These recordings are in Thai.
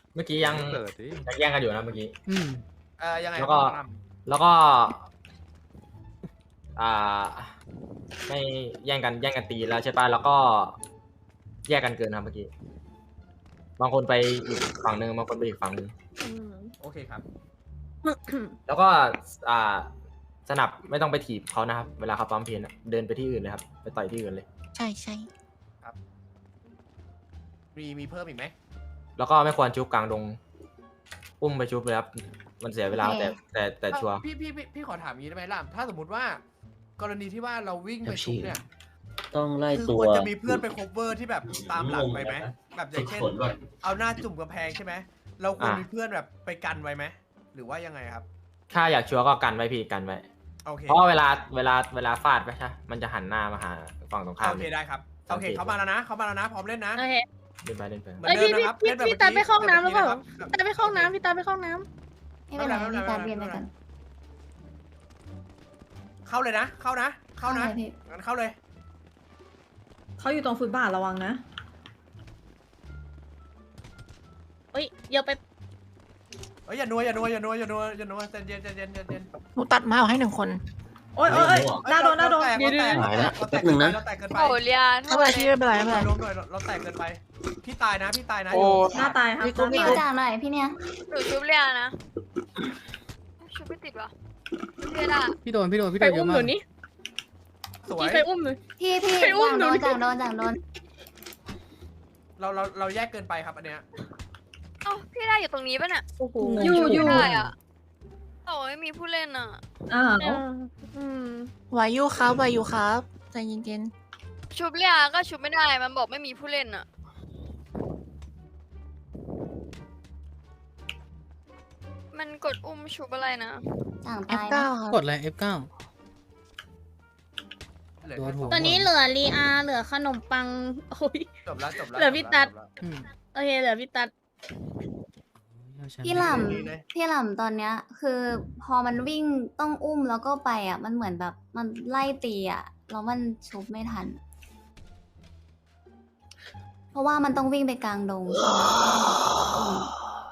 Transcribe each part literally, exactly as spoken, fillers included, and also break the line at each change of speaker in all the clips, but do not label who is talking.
เมื่อกี้ยัง
เปิดดิ
ยังแย่งกันอยู่นะเมื่อกี้
อืม
เออยังไง
แล้วก็
ครับ
แล้วก็ อ่า ไม่แย่งกันแย่งกันตีแล้วใช่ป่ะแล้วก็ แยกกันเกินครับเมื่อกี้บางคนไปอีกฝั่งหนึ่งบางคนไปอีกฝั่งหนึ่ง
โอเคครับ
แล้วก็ อ่า สนับไม่ต้องไปถีบเขานะครับ เวลาเขาปั๊มเพนอะเดินไปที่อื่นเลยครับ ไปต่อยที่อื่นเลย
ใช่ใช่
มีมีเพิ่มอีกไหม
แล้วก็ไม่ควรชุบกลางดง อุ้มไปชุบเลยครับ มันเสียเวลาแต่แต่แต่ชัวร์
พี่พี่พี่พี่ขอถามอย่างนี้ได้ไหมล่ะถ้าสมมติว่า กรณีที่ว่าเราวิ่งไปชุบเนี่ย
ต้องไล่
คือ
ตั
คว วรจะมีเพื่อนไป cover ที่แบบตามหลังไปไหมแบบอย่างเช่น
ขนก่อน
เอาหน้าจุ่มกำแพงใช่ไหมเราควรมีเพื่อนแบบไปกันไว้ไหมหรือว่ายังไงครับ
ถ้าอยากชัวร์ก็กันไว้พี่กันไว้
โอเค
เพราะว่าเวลาเวลาเวลาฟาดไปใช่มันจะหันหน้ามาหาฝั่งตรงข้าม
โอเคได้ครับโอเคเขามาแล้วนะเขามาแล้วนะพร้อมเล่นนะ
โอเค
เล่นไปเล่นไป
เหมือน
เอ้ย
เดิ
พี่
มนะครับ
พี่
เล่นแบบ
พี่ตาไปเข้าห้องน้ำหรือเปล่า
แบบ
ตาไปเข้าห้องน้ำพี่ตาไปเข้าห้องน้
ไม่เป็นไรพี่ตาเรียนไปกัน
เข้าเลยนะ เข้านะ เข้านะ
พี่
งั้นเข้าเลย
เขาอยู่ตรงฟุตบาทระวังนะ
ำเฮ้ยเดี๋ยวไป
เอ้ยอย่านัวอย่านัวอย่านัวอย่านัวอย่านัวใจเย็นใจเย็นใจเย็น
หนูตัดไม้ออกให้หนึ่งคน
โอ๊ยโอ๊ยโอ๊ยหน้าโดนหน้าโดน
เราแตกเราแตกเราแตกเกินไป
โอ้เลียน
ไม่เป็นไรพี่ไม่เป็นไรไม่เป็นไร
ล้มหน่อยเราแตกเกินไปพี่ตายนะพี่ตายนะ
หน้าตายครับ
พี่กุ๊ก
หน้า
พี่
ตาย
จ่าหน่อยพี่เนี่ย
หนูชุบเลียนนะชุบไม่ติดวะเลียนอะ
พี่โดนพี่โดนพี่
ไป
โดนเย
อุ้ม
อะ
ห
มา
นู
ก
นี่
สวย
พี่ไปอุ้มหนู
พี่พี่
ไปอุ้ม
จ่าโดน
หนู
จ่าโดนจ่าโดน
เราเราเราแยกเกินไปครับอันเนี้ย
เอ้าพี่ได้อยู่ตรงนี้ป่ะเนี่ย
โอ้โห
อยู่
ชุบ
อยู่
ไม่ได้อ่ะโอ้ยมีผู้เล่นอ่ะ
อ้าว
อืม
ไหวอยู่ครับไหวอยู่ครับใจเย็น
ชุบเลียนก็ชุบไม่ได้มันบอกไม่มีผู้เล่นอ่ะมันกดอุ้มชุบอะไรนะ
จ่าง
ๆ
ตาย
เก้า
นะ
กดอะไร เอฟ เก้า
เหลือ
โดนหัว
ตอนนี้เหลือลีอาเหลือขนมปังโอ้ย
จบแล้วจบแล้ว
เหลือพี่ตัด
จบแล้ว
อืม
โอเคเหลือพี่ตัด
พี่หล่ำพี่หล่ำตอนเนี้ย คือพอมันวิ่งต้องอุ้มแล้วก็ไปอ่ะ มันเหมือนแบบมันไล่ตีอ่ะแล้วมันชุบไม่ทัน เพราะว่ามันต้องวิ่งไปกลางดงใช่ไหมอืม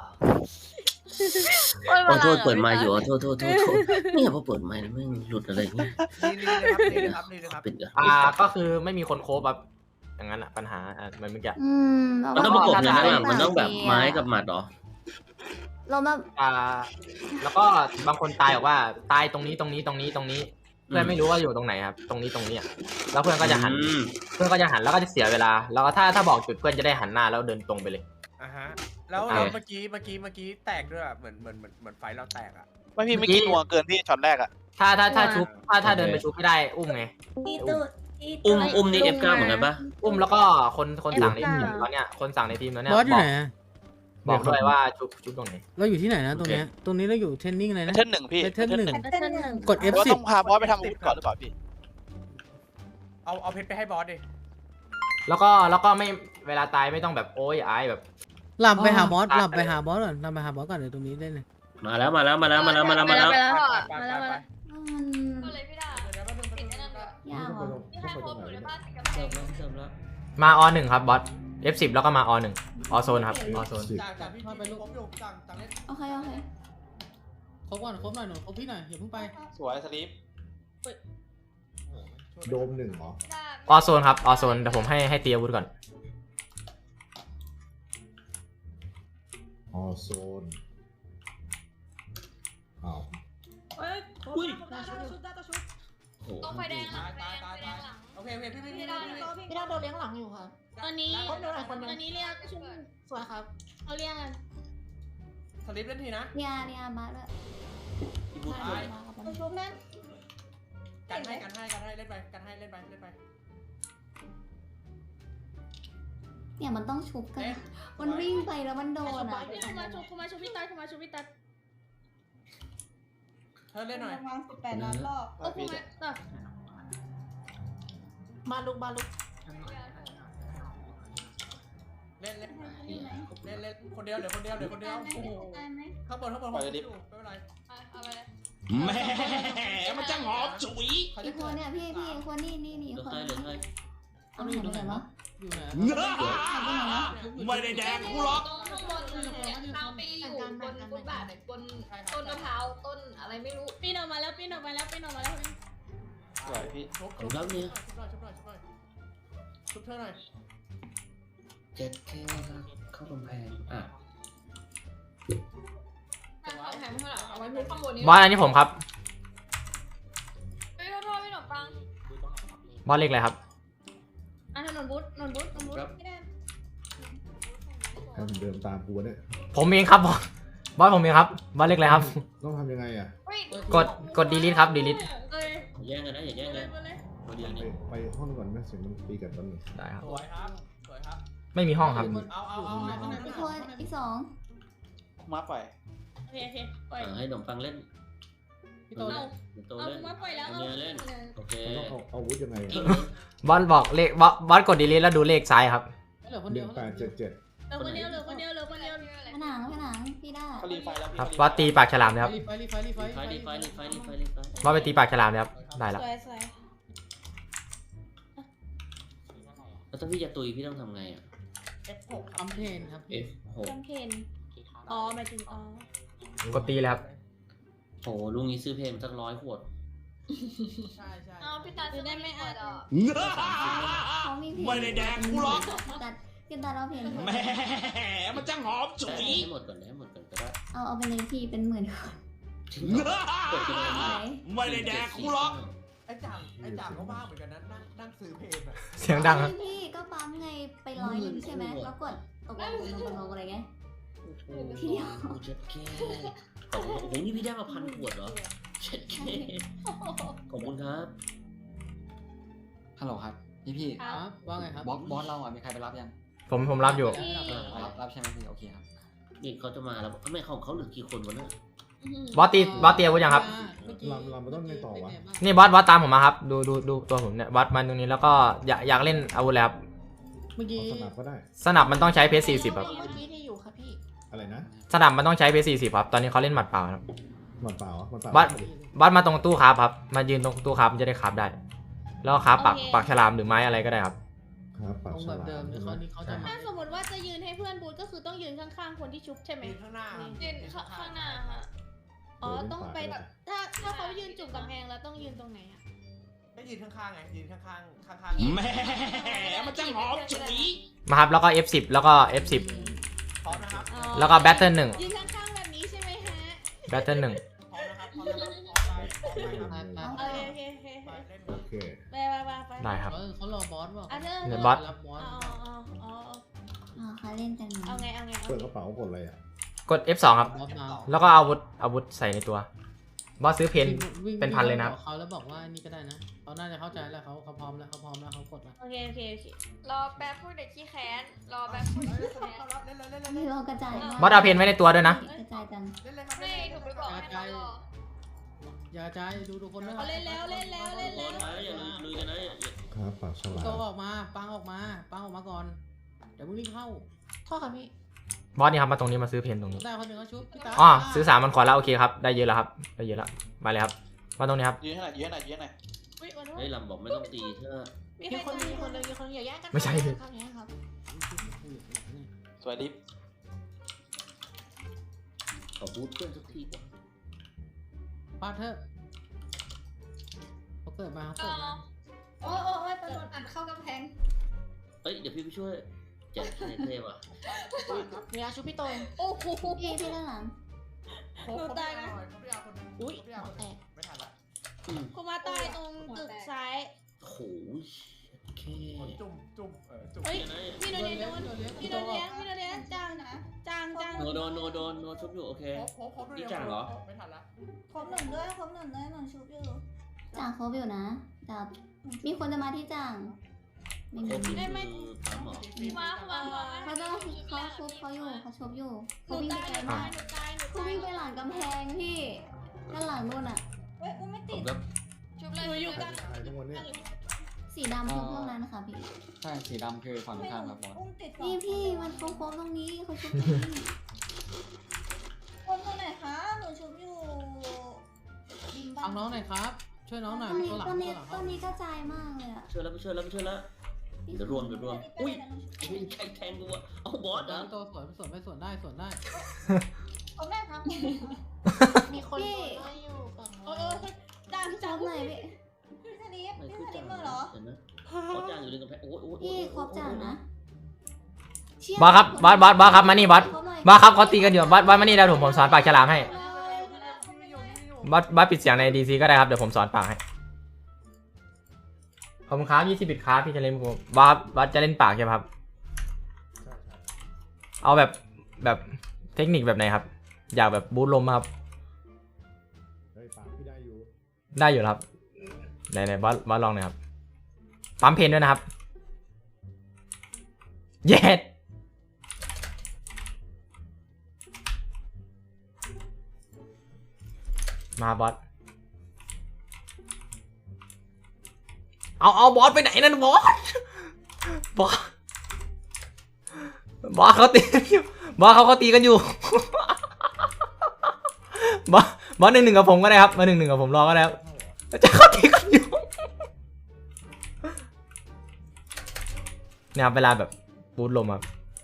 โอ้ย
ขอโทษ
วลา
เปิดไมค์อยู่
ห
ขอโทษโทษโทษโทษเนี่ยพอเปิดไมค์แล้วแม่งหลุดอะไรเงี้ย
นี่นี่เลยครับนี่เลยครับนี่เลยครับ
ปิดอ่ะ
อ่าก็คือไม่มีคนโคบแบบอย่างนั้นอะปัญหาอ่ะมันเมื่อกี้
อืม
มันต้องประกบกัน
ใช่
นะมันต้องแบบไม้กับหมัดเหรอ
เรามา
อ่า แล้วก็บางคนตายบอกว่าตายตรงนี้ตรงนี้ตรงนี้ตรงนี้ เพื่อนไม่รู้ว่าอยู่ตรงไหนครับ ตรงนี้ตรงนี้อ่ะแล้วเพื่อนก็จะหัน
อืม
เพื่อนก็จะหันแล้วก็จะเสียเวลา แล้วก็ถ้าถ้าบอกจุดเพื่อนจะได้หันหน้าแล้วเดินตรงไปเลย
อ่าฮะแล้ว
อ่า
แล้วเมื่อกี้เมื่อกี้เมื่อกี้แตกด้วยอะเหมือนเหมือนเหมือนเหมือนไฟเราแตกอ่ะ
ไม่พี่ไม่กินนัวเกินพี่ช็อตแรกอะ
ถ้าถ้าถ้าชุบถ้าถ้าเดินไปชุบไม่ได้อุ้มไง
อุ้มอุ้มนี่ เอฟ เก้า เหมือนกันปะ
อุ้มแล้วก็คนคนสั่งในทีมตอนเนี้ยคนสั่งในทีมตอนเนี้ย
บอสอยู่ไหน
บอก
อะ
บอกด้วยว่าชุบชุบตรงไหน
เราอยู่ที่ไหนนะตรงเนี้ยตรงนี้เราอยู่เทรนนิ่งอะไรนะ
เท่นหนึ่งพี่
เทรนหนึ่ง
เส้นหนึ่ง
กด เอฟ
ว่า
สิบ
ต้องพาบอสไปทำอาวุธก่อนหรือเปล่าพี่
เอาเอาเพชรไปให้บอสดิ
แล้วก็แล้วก็ไม่เวลาตายไม่ต้องแบบโอ้ยอายแบบ
หลับไปหาบอสหลับไปหาบอสก่อนหลับไปหาบอสก่อนเดี๋ยวตรงนี้ได้เลย
มาแล้วมาแล้วมาแล้วมาแล้วมาแล้วมาแล้ว
ไปแล้ว
ไป
มา
ไป
แล้ว
ไป
มา
ไป
แล้ว
มัน
ก็เลยพี่ดา
เดี๋ยวแป๊บนึงแป๊บนึง
ปิดไอ้นั่นด้วย
ยากว่ะ
พี่ให้โค้ดหนูได้ป่ะติดกับแพ
เสิร์
ง
ฟแล้วเสิร์ฟแล้ว
มาอหนึ่งครับบอส เอฟ สิบ แล้วก็มาอหนึ่งอโซนครับอโซน
จ่างจ่างพี่พี่ผมอยู่จ่างจ่างเล่น
โอเคโอเค
ครบก่อนครบหน่อยหนูครบพี่หน่อยอย่าเพิ่งไป
สวยสลีป
โดมหนึ่งเหรอ
พี่ดา
อโซนครับอโซนเดี๋ยวผมให้ให้ตีอาวุธก่อน
ออโซนอ้าว
เอ้ย
อุ้ย
ได้ชุดได้ชุด
โอ้โห
ตรงไฟแดงหลั
ตาง ย
ไฟ
ตาย
แดง
ตาย
ไฟแด
ตาย
งหลัง
โอเคโอเคพี่พี่พี่
พี่ดา
พี่
พี่ดาโดนเลี้ยงหลังอยู่ค่ะ
ตอนนี้
ครบหนูหน่อยคนหนึ่ง
ตอนนี้เรียกชุบ
สวยครับ
เขาเรียกกัน
สลิปเล่นทีนะ
เนี่ยเนี่ยมาด้วย
พี่บุ๊ค
ตาย
ชุบแม่น
กันให้กันให้กันให้เล่นไปกันให้เล่นไปเล่นไป
เนี่ยมันต้องชุบกัน
เอ๊ะ
มันวิ่งไปแล้วมันโดนอ่ะ
เขามาชุบเขามาชุบพี่ตัดเขามาชุบพี่ตัด
เธอเล่นหน่อย
ประมาณสิบแปดล้านรอบ
โอ้โหตัด
มาลุกมาลุก
เล่นเล่นเล่นเล่นคนเดียวเดี๋ยวคนเดียวเดี๋ยวคนเดียวโอ้โหข้างบนข้างบนผมอยู่ไม่เป็นไร
เอาไปเลย
แม่มันจะหอมฉุย
เขา
อี
จะ
กคนเนี่ยพี่พี่คนนี่นี่นี่
เหลือ
คน
ใครเหลือใคร
เอาไปไหนวะ
อยู่ไหน
ไม่ได้แดงกูหรอก
ข้างบนเนี่ยตามปีอยู่บนฟุตบาทเนี่ยบนต้นมะพร้าวต้นอะไรไม่รู้ปีนออกมาแล้วปีนออกมาแล้วปีนออกมาแล้ว
สวยพี่
ชุบ
ผมรับเนี่ย
ชุบหน่อยชุบหน่อยชุบหน่อยชุบเธอหน่อย
เจ็ดแค่เข้ากำแพงอ่ะ
ข้างแถมข้างหลังเอาไว้มุกข้างบนนี้
บอสอันนี้ผมครับ
ไม่รู้ไม่หนมปัง
บอสเลขอะไรครับ
อ่ะถนนบุ๊ดถนนบุ๊ดถนนบุ๊ดไม่ได้
ให้มันเดินตามกูเนี่ย
ผมเองครับบอสบอสผมเองครับบอสเลขอะไรครับ
ต้องทำยังไงอ่ะ
กดกด delete ครับ delete
เอ้ย
อย่าแย่งกันนะอย่าแย่งกันตัวเดียว
ไป
นี่
ไปห้องก่อนไหมเสียงมันตีกันตอนนี้
ได้ครับ
สวยครับสวยครับ
ไม่มีห้องครับ
เอาเอาเอาเอา
อีกคนอีกสอง
มาปล่อย
โอเคโอเคปล่อย
อ่ะให้ขนมปังเล่น
พี่โต
เอา
โต
เอา
เล่น
มาปล่อยแล้ว
ตัวเนี้ยเล่นโอเค
เราต้องเอาเอาอาวุธยังไง
กิ้ง
อะ
บอสบอกเลขบอสบอสกด delete แล้วดูเลขซ้ายครับ
เหลือคน
ห
เดี
นึ่
ยว
งแปดเจ็ดเจ็ด
เหลือคนเดียวเหลือคนเดียวเหลือคนเดียว
ผนังผนังพี่ได้
เขารีไฟแล้วพี่
ครับบอสตีปากฉลามเลยครับ
รีไฟรีไฟรีไฟ
ไฟรีไฟรีไฟรีไฟรีไฟ
บอสไปตีปากฉลามเลยครับได้แล้ว
สวยสวย
แล้วถ้าพี่จะตุยพี่ต้องทำไงอ่ะ
เอฟหก
อัมเพนครับ
F หก
แคมเพนอ๋อหมายถึงอ๋อก
ดตีเลยครับ
โหลุงนี้ซื้อเพลงสักร้อยขวด
ใช่ใช่
เอาพี่ตาจะได้ไม่อ่ะ
เขามีเพลง
ไม่ได้แดงกูหรอก
ตัดพี่ตัดเอาเพลง
แหมมันจังหอมฉุย
ให้หมดก่อนให้หมดก่อนก็ได้
เอาเอาไปเลยพี่เป็นหมื่นคน
จริงเหรอกดไปเลย
ไหน
ไม่ได้แดงกูหรอก
ไอ้จ่างไอ้จ่างก็ว่างเหมือนกันนะนั่งนั่งซื้อเพลงอะ
เสียงดังครับ
พี่ก็ปั๊มไงไปร้อยหนึงใช่ไหมแล้วกดตกลงตกลงตกลงอะไรไง ทีเดียว
เจ็ดแค่โอ้โหนี่พี่ได้มาพันขวดเหรอเจ็ดแค่ขอบคุณครับ
ฮัลโหลครับพี่พี่
ครับว่าไงครับ
บอสบอสเราอ่ะมีใครไปรับยัง
ผมผมรับอยู่
รับรับใช่ไหมพี่โอเคครับ
นี่เขาจะมาแล้วทำไมเขาเขาเหลือกี่คนวะเนี่ย
บอสตีบอสตีอาวุธยังครับ
ลำลำมันต้องไงต่อวะ
นี่บอสบอสตามผมมาครับ ดูดูดูตัวผมเนี่ยบอสมาตรงนี้แล้วก็อยากอยากเล่นอาวุธแล้วครับ
เมื่อกี้
เอาสนับก็ได้
สนับมันต้องใช้เพชรสี่สิบครับ
เมื่อกี้ที่อยู่ครับพี่
อะไรนะ
สนับมันต้องใช้เพชรสี่สิบครับ ตอนนี้เขาเล่นหมัดเปล่าครับ
หมันเปล่าอะหมันเปล่า
บอสบอสมาตรงตู้คราฟครับ มายืนตรงตู้คราฟมันจะได้คราฟได้ แล้วก็คราฟปากปากฉลามหรือไม้อะไรก็ได้ครับ
ครับปาก
ตรง
ฉ
แบบ
ลา
เดิม
ม
เดี๋ยว
ใช่ไหม
เขานี่เขาจะมา
ถ้าสมมติว่าจะยืนให้เพื่อนบูทก็คือต้องยืนข้างๆคนที่ชุบใช่ไหม
ยืนข้างหน้า
ยืนข้างหน้าฮะ
อ๋อต้องไปแบบถ้าถ้าเขายืนจุ่มกำแพงแล้วต้องยืนตรงไหนอะ
ก็ยืนข้างๆไงยืนข้างๆข้างๆ
แหมมันจังหอมฉุย
มาครับ แล้วก็ เอฟ สิบ แล้วก็ เอฟ สิบ
พร้อมนะครับ
อ๋อ
แล้วก็ Battle หนึ่ง
ยืนข้างๆแบบนี้ใช่ไหมฮะ
Battle หนึ่ง
พร้อมนะครับพร้อมนะครับพร้อมไปพร้อมไป
โอเคโอเคโอเค
ไปเล่น
โอเค
ไปไปไปไป
ได้ครับ
เออเขารอบอสว่ะ
อ่ะเธอ
เดี๋ยวบอส
รับบอส
อ๋ออ๋ออ๋อ
อ๋อเขาเล่นกัน
เอาไงเอาไงเอา
เปิด
ไง
กระเป๋ากดอะไรอ่ะ
กด เอฟ สอง ครับ
บอสมา
แล้วก็เอาอาวุธอาวุธใส่ในตัว บอสซื้อเพน
วิ่ง
เป็นพันเลยนะครับ
เขาแล้วบอกว่านี่ก็ได้นะเขาน่าจะเข้าใจแล้วเขาเขาพร้อมแล้วเขาพร้อมแล้วเขากดแล้ว
โอเคโอเคโอเค
รอแป๊บพูดเด็กขี้แค้นรอแป๊บพูด
เฮ้ย
เด็ก
เข้า
ขี้แค้น
แล้วเล่นเลยเล่นเลย
ไม่เรากระจาย
บอสเอาเพนไว้ในตัวด้วยนะ
กระจายกัน
เล่นเลยครับ
ไม่ถูกไปบอกให้เขารอ
อย่ากระจายดูทุกคนด้วย
เขาเล่นแล้วเล่นแล้วเล่น
บอ
แล้ว
สมาอย่าลุยลุยกันนะอย่าอย่า
ครับปากฉลา
โต
ม
ออกมาปังออกมาปังออกมาก่อนเดี๋ยวมึงรีบเข้า
พ่อค่ะพี่
บอสนี่ครับมาตรงนี้มาซื้อเพนตรงนี้
ได้คนหนึ่งเขาชุบพี่ตา
อ๋อซื้อสามมันขอแล้วโอเคครับ ได้เยอะแล้วครับ ได้เยอะแล้วมาเลยครับ มาตรงนี้ครับ
ยืนให้หน่อยยืนให้หน่อยยืนให้หน่อย
อุ๊ยขอโทษ
เฮ้ยลำบอกไม่ต้องตีเธอ
มี
มี
ใคร
คน
ตาย
มีคนเลยมีคนอย่าแย่งกัน
ไม่ใช่
ครับอย่างเงี้ยครับ
สวยดิฟ
ขอบูทเพื่อนสักทีก่อน
ปาดเถอะเขาเกิดมาเขาเกิดมา
โอ้โอ้โอ้ยโดนอัดเข้ากำแพง
เอ้ยเดี๋ยวพี่ไปช่วยเจ็ดเทเทว่ะ
มีอาชุพี่โตย
โอ้โห
พี่พี่ด้านหลัง
หนูตายนะเขาไม่เอาคน
อุ้ย
เขาไม่เอาคน
แตก
ไม่ทันละ
อืม
คุณมาตายตรงตึกซ้าย
โหยโอเค
จุ่มจุ่มเออจุ่ม
เฮ้ย
เดี๋ยวนะ
พี่โดนเลี้ยงโดนพี่โดนเลี้ยงพี่โดนเลี้ยงจางจางจาง
โนโดนโนโดนโนชุบอยู่โอเค
โคบโคบด้วย
นี่จ่างเหรอ
ไม่ทันละ
ครบหนึ่งด้วยครบหนึ่งด้วยหนึ่งชุบอยู่จ่างครบอยู่นะแต่มีคนจะมาที่จ่างไม่
ครบ
มี
นี่คือปั๊มเหรอ
มามามา
เขาต้องเขาชุบเขาอยู่เขาชุบอยู่
ห
เขา
นู
วิ่ง
ตา
ไป
ย
ไกล
หนู
มาก
ตายหนู
เขา
ตาย
วิ่งไปหลังกำแพงพี่ด้านหลังนู่นอ่ะเฮ้ยกูไม่
ผ
ติด
มแบบ
ชุบเลย
หนูอยู่
ใคร
กัน
ใครทั้งวันเนี่ย
สีดำชุบพวกนั้นนะคะพี่
ใช่สีดำคือฝั่งตรงข้ามครับบอส
นี่พี่มันโค้งๆตรงนี้เขาชุบตรงนี้คนตัวไหนคะหนูชุบอยู่บิมบ้า
เอาน้องหน่อยครับ ช่วยน้องหน่อย
ต้นนี้
ตัวหลัง
ต้น
ตั
นี้
วหลัง
ต้นนี้กระจายมากเลยอะ
ช่วยแล้วไปช่วยแล้วไปช่วยแล้วเดี๋ยวร่วงเดี๋ยวร่วงอุ้ยไอ้นี่ใครแทงกูวะเอาบอสเหรอ
พี่โตสวนสวนไม่สวนได้สวนได้
เขาแม่ทำ
มีคนโดนไล่อยู่ฝั่ง
เอ
นู้
อน เออจ้าง
พี่
จ้า
จ๊าง บหน่อยพี่
พี่สลีป
ไหน
พี่
คือ
สลี
จ่า
ปมาเหรอ
เห็นไหมเขาจ่างอยู่ในกำแพงโอ้ยโอ้ยโอ้ย
พี่ครบจ่างนะเชี่ย
บอสครับบอสบอสบอสครับมานี่บอส
ครบหน่อย
บอสครับเขาตีกันอยู่บอสบอสมานี่แล้วผมผมสอนปากฉลามให้บอสบอสปิดเสียงในดีซีก็ได้ครับเดี๋ยวผมสอนปากให้ขอบคุณครับยี่สิบบิตครับพี่จะเล่นบอสบอสจะเล่นปากใช่ไหมครับ
ใช่ใช่
เอาแบบแบบเทคนิคแบบไหนครับ อยากแบบบูทลมครับ
เฮ้ยปากพี่ได้อยู่
ได้อยู่ครับไหนไหนบอสบอสลองหน่อยครับปั๊มเพนด้วยนะครับเย็ดมาบอสเอาเอาบอสไปไหนนั่นบอสบอสบอสเขาตีกันอยู่บอสเขาเขาตีกันอยู่ บอสบอสหนึ่งหนึ่งกับผมก็ได้ครับมาหนึ่งหนึ่งกับผมรอก็ได้ครับจะเขาตีกันอยู่เนี่ยครับเวลาแบบบูทลมครับ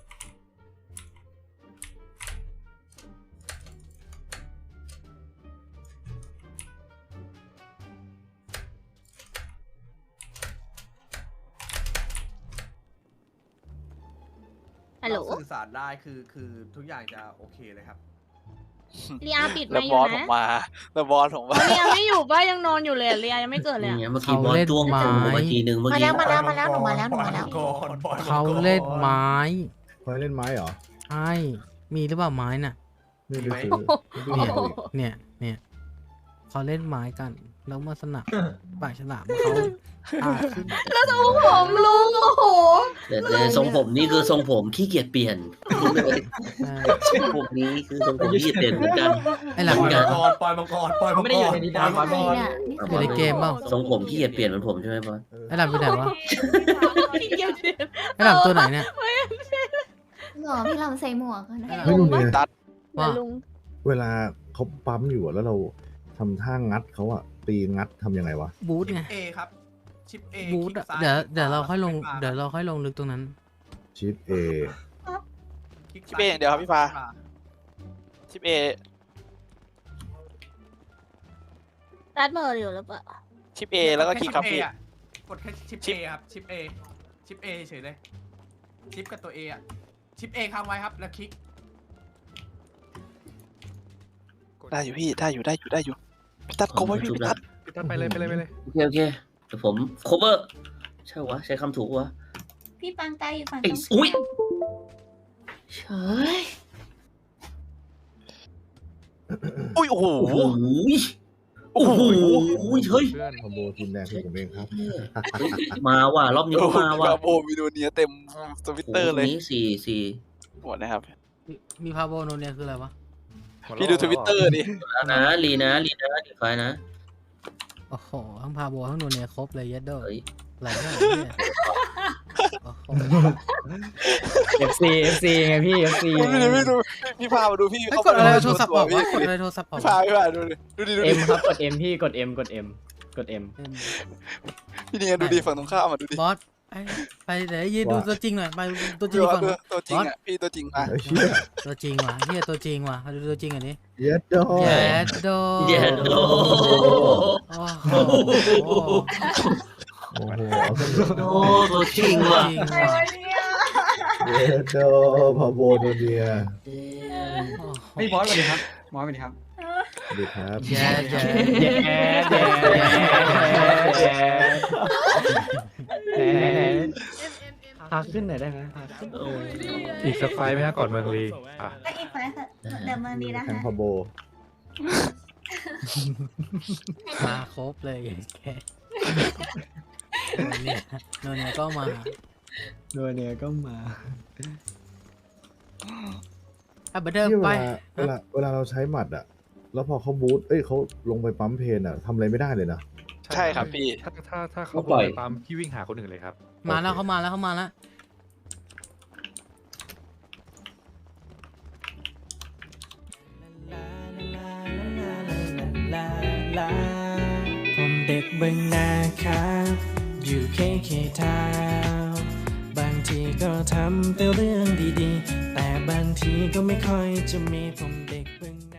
ฮัลโหล
สื่อสารได้คือคือทุกอย่างจะโอเคเลยครับ
เรียปิด
แล้
มาว อบ ยู่
อสผ
นะ
มมาแล้วบอสผมมา
เรียไม่อยู่ป่ะยังนอนอยู่เลยอะเรียยังไม่เกิดเลย
นี่
อะ
ไงเมื่อกี้บอสจ้วงกูมาทีนึงเมื่อ
มา
กี้
แล้วมาแล้วมาแล้วหนูมาแล้วหนูมาแล้ว
เขาเล่นไม้
เคยเล่นไม้เหรอ
ใช่มีหรือเปล่าไม้น่ะ
ไม่ได้ซื้อไม่ได้
เนี่ย
เอาอีก
เนี่ยเนี่ยเขาเล่นไม้กันแล้วมาสนับปากฉลามเขาอ่าขึ้น
ผมลุงโอ้โห
แต่แต่ทรงผมนี่คือทรงผมขี้เกียจเปลี่ยน
ใช่
ทรงผมนี้คือทรงผมขี้เกียจเปลี่ยนเหมือนกัน
ไอ้หลัง
เหมือนกัน
ปล่อยมังกรปล่อยมังกร
ไม่ได้อยู่ในนิทานบอส
ใคร
บอส
เนี่ยนี่
อยู่ในเกมเปล่า
ทรงผมขี้เกียจเปลี่ยนเหมือนผมใช่ไหมบอส
เออ
ไอ้หลังไปไหนวะ
พี่เกียวเจ็บ
ไอ้หลังตัวไหนเนี่ย
หรอพี่ลำใส่หมวกกันนะ
ไม่รู้เนี่ย
ว่า
ลุง
เวลาเขาปั๊มอยู่อะแล้วเราทำท่างัดเขาอะตีงัดทำยังไงวะ
บูทไง
เอครับชิปเอ
บูทอะเดี๋ยวเดี๋ยวเราค่อยลงเดี๋ยวเราค่อยลงลึกตรงนั้น
ชิปเอ
ชิปเออย่างเดียวครับพี่ฟ้า ชิปเอ
รัดเมอร์อยู่หรือเปล่า
ชิปเอแล้วก็คลิกครับพี่
กดแค่ชิป
ชิ
เอ
ป
ครับชิปเอชิปเอเฉยเลยชิปกับตัวเออะชิปเอค้างไว้ครับแล้วคลิก
ได้อยู่พี่ได้อยู่ได้อยู่ได้อยู่พี่ตัดโกงไว้พี่พี่ตัด
พี่ตัดไปเลยไปเลยไปเลย
โอเคโอเคเดี๋ยวผม cover ใช่วะใช้คำถูกวะ
พี่ปังตายอยู่ฝั่ง
ไอ้
ตรง
อุ้ยเฉย
อุ้ยโอ้โห
โอ้โหโอ้โหเฮ้ย
คอมโบทีมแดงคือผมเองครับ
มาว่ะรอบนี้
โอ้
ก็
โห
มาว่ะ
บาโบมีโดเนียเต็มทวิตเตอร์เลย
นี้สี่สี่
หมดนะครับ
มีมีพาโบโนเนียคืออะไรวะ
พี่ดูทวิตเตอร์ดิ
นะลีนะลีนะลีไฟนะ
โอ้โหทั้งพาโบทั้งโนเนียครบเลยยัดโด
เฮ้ย
ไหลเท่าไหร่เนี่ยโอ้โห
เอฟซีเอฟซีไงพี่เอฟซี
พี่ดูพี่ดูพี่พามาดูพี่
ไอ้ย
เขา
กดอะไร
ป
โทรศัพท์ออก
พี่
วะกดอะไรโทรศัพท์ออก
พี่พาพี่พาดูดิดูดิดู
เอ็
ดิ
มครับกดเอ็มพี่กดเอ็มกดเอ็มกดเอ็ม
เอ็ม
พี่นี่ไงดูดิฝั่งตรงข้ามมาดูดิ
บอสไอ้ไปเดี๋ยวยืนดูตัวจริงหน่อยไปตัวจริ
ดู
งก่อน
ดูตัวจริงอ่ะพี่ตัวจริงมา
เฮ้ยเชี่ย
ตัวจริงว่ะเฮียตัวจริงว่ะดูตัวจริงอันนี้
เย็ดโด
เย็ดโด
เย็ดโด
โอ้โห
โอ้โหเอาซะเลย
โอ้ตัวจริงว่ะ
จริงว่ะ
เย็ดโดพอโบโดเนีย
เฮ้ยบอสสวัสดีครับบอสสวัสดีครับ
สวัสดีครับ
แย่แย่
แย่แย่แย่แย่พาขึ้นหน่อยได้ไหมพาขึ้น
อีกสักไฟไหมฮะก่อนเมืองลีอ่ะ
ก็อีกไฟค่ะเดี๋ยวเมืองดีนะ
แทง
คะ
พอโบ
มาครบเลยแกโนเนียโนเนียก็มา
โดยเนี่ยก็มา
อ่ะเบอร์เดิม
ที่เว
ไป
ลาเวลาเวลาเราใช้หมัดอะแล้วพอเขาบูทเอ้ยเขาลงไปปั๊มเพนอะทำอะไรไม่ได้เลยนะ
ใช่ครับพี่
ถ้าถ้าถ้าเขา
ปล่อย
ไปปั๊มพี่วิ่งหาคนอื่นเลยครับ
มาแล้วเขามาแล้วเขามาแล้ว
ผมเด็กเบึงนาครับ อยู่เคเคทาวทำแต่เรื่องดีๆแต่บางทีก็ไม่ค่อยจะมีผมเด็กเพิ่ง